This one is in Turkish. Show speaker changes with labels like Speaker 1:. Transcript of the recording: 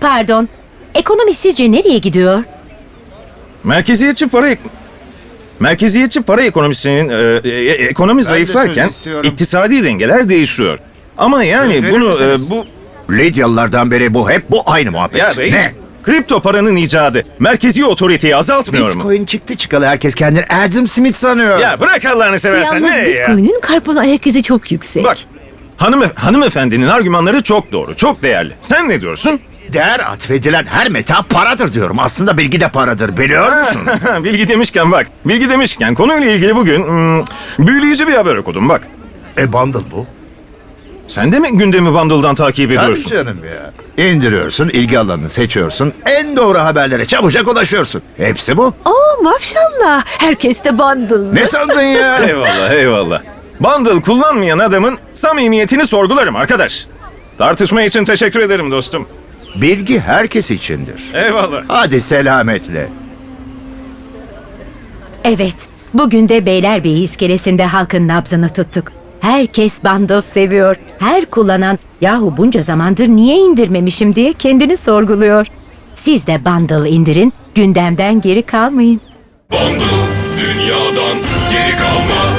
Speaker 1: pardon. Ekonomi sizce nereye gidiyor?
Speaker 2: Merkeziyetçi para ekonomisinin ekonomi zayıflarken
Speaker 3: istiyorum.
Speaker 2: iktisadi dengeler değişiyor. Ama yani bunu bu
Speaker 3: Lidyalılardan beri hep bu aynı muhabbet.
Speaker 2: ya bey,
Speaker 3: Ne?
Speaker 2: kripto paranın icadı merkezi otoriteyi azaltmıyor mu?
Speaker 3: Bitcoin çıktı çıkalı herkes kendini Adam Smith sanıyor.
Speaker 2: Ya bırak Allah'ını seversen
Speaker 1: Yalnız
Speaker 2: ne ya?
Speaker 1: Bitcoin'in karbon ayak izi çok yüksek.
Speaker 2: Bak hanımefendinin argümanları çok doğru, çok değerli. Sen ne diyorsun?
Speaker 3: Değer atfedilen her meta paradır diyorum. Aslında bilgi de paradır biliyor musun?
Speaker 2: Bilgi demişken konuyla ilgili bugün büyüleyici bir haber okudum bak.
Speaker 3: Bundle bu.
Speaker 2: Sen de mi gündemi Bundle'dan takip ediyorsun?
Speaker 3: Tabii canım ya. İndiriyorsun, ilgi alanını seçiyorsun, en doğru haberlere çabucak ulaşıyorsun. Hepsi bu.
Speaker 1: Oo maşallah. Herkes de bundle.
Speaker 3: Ne sandın ya?
Speaker 2: Eyvallah. Bundle kullanmayan adamın samimiyetini sorgularım arkadaş. Tartışma için teşekkür ederim dostum.
Speaker 3: Bilgi herkes içindir.
Speaker 2: Eyvallah.
Speaker 3: Hadi selametle.
Speaker 1: Evet. Bugün de Beylerbeyi iskelesinde halkın nabzını tuttuk. Herkes bundle seviyor. Her kullanan yahu bunca zamandır niye indirmemişim diye kendini sorguluyor. Siz de bundle indirin, gündemden geri kalmayın.
Speaker 4: Bundle dünyadan geri kalma.